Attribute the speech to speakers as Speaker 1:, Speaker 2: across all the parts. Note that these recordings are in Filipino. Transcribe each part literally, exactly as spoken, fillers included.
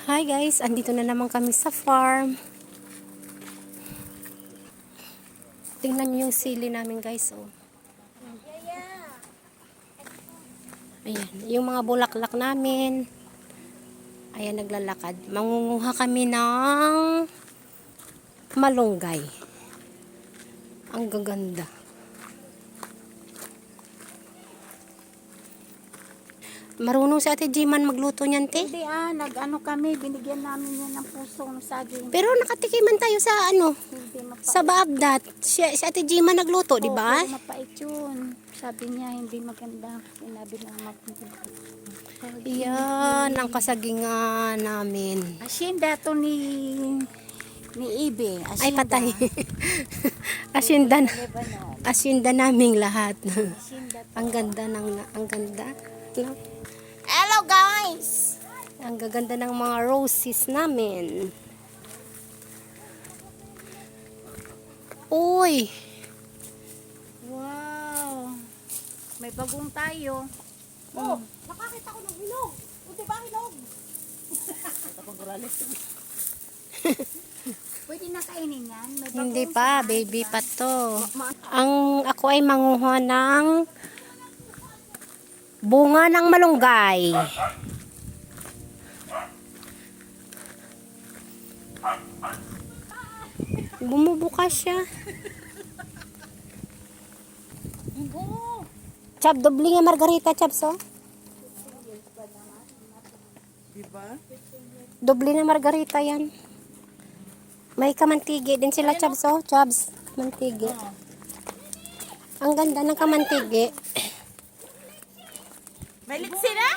Speaker 1: Hi guys, andito na naman kami sa farm. Tingnan niyo yung sili namin guys. Oh. Ayan, yung mga bulaklak namin. Ayan, naglalakad. Mangunguha kami ng malunggay. Ang gaganda. Marunong si Ate Jiman magluto niyan, te?
Speaker 2: Hindi ah, nag-ano kami, binigyan namin yan ng pusong saging.
Speaker 1: Pero nakatikiman tayo sa ano,
Speaker 2: Hindi mapait.
Speaker 1: sa Baabdat. Si, si Ate Jiman nagluto, di ba?
Speaker 2: Pero mapait yun. Sabi niya, hindi maganda. Sinabi ng maganda.
Speaker 1: Yan, ang kasagingan namin.
Speaker 2: Asyenda to ni ni Ibe. Asyenda.
Speaker 1: Ay, patay. Asyenda na.
Speaker 2: Lebanon.
Speaker 1: Asyenda naming lahat.
Speaker 2: Asyenda to.
Speaker 1: Ang ganda ng, ang ganda. No?
Speaker 2: Hello guys!
Speaker 1: Ang gaganda ng mga roses namin. Uy!
Speaker 2: Wow! May bagong tayo.
Speaker 3: Oh, nakakita ko ng hinog. O, diba hinog?
Speaker 2: Pwede na kainin yan? May bagong
Speaker 1: Hindi pa,
Speaker 2: samahan,
Speaker 1: baby
Speaker 2: diba?
Speaker 1: pa to. Ang ako ay manguha ng bunga ng malunggay. Bumubukas siya. Chab, doble nga margarita, Chabs, oh.
Speaker 3: Diba?
Speaker 1: Doble na margarita yan. May kamantigi din sila, Chabs, oh. Chabs, kamantigi. Ang ganda ng kamantigi.
Speaker 3: May litsi na?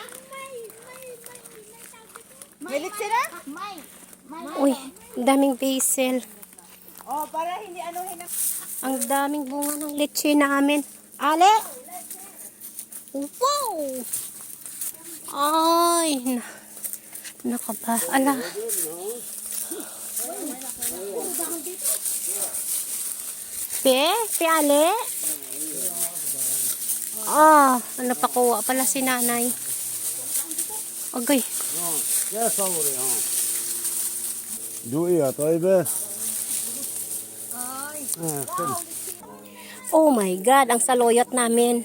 Speaker 3: May litsi na?
Speaker 2: May! May!
Speaker 1: Uy, ang daming basil.
Speaker 3: Oh, para hindi ano hina.
Speaker 1: Ang daming bunga ng leche namin. Ale! Wow! Ay! Na, nakaba. Ala. Pe? Pe, Ale? Ah, ano pa kuha pala si nanay. Agay.
Speaker 4: يا صوري ها دوقيها طيبة آه كل
Speaker 1: Oh my God, ang saloyot namin.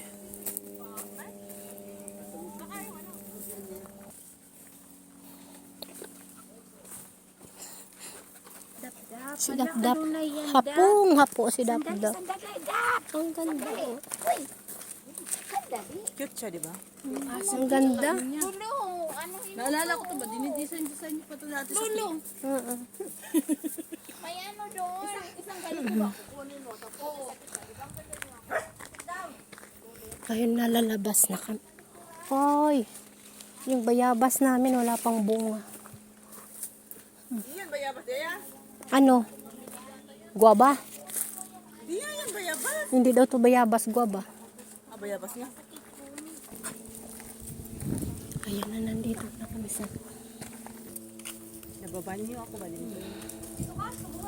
Speaker 2: Dap-dap.
Speaker 1: Si
Speaker 2: Anak,
Speaker 1: Dap-Dap.
Speaker 2: ano na yan,
Speaker 1: Hapong hapo si
Speaker 2: Dap?
Speaker 1: Dap-Dap.
Speaker 2: Sandali, Dap!
Speaker 1: Ang ganda.
Speaker 2: Uy! Sandali.
Speaker 3: Cute siya, diba?
Speaker 1: Ang ganda.
Speaker 2: Lulu, ano yun?
Speaker 3: Naalala ko to ba? Dinidesign-design niyo pa to dati sa Lulu.
Speaker 1: Oo.
Speaker 2: May ano doon? Isang ganito ba? Kukunin mo. Oo.
Speaker 1: Ayun, nalalabas na kami. Hoy, yung bayabas namin wala pang bunga.
Speaker 3: Iyan, bayabas. Iyan.
Speaker 1: Ano? Guaba?
Speaker 3: Iyan, yan, bayabas.
Speaker 1: Hindi daw to bayabas, guaba.
Speaker 3: Ah, bayabas niya.
Speaker 1: Ayun na, nandito na kami sa...
Speaker 3: Nababanyo ako ba din?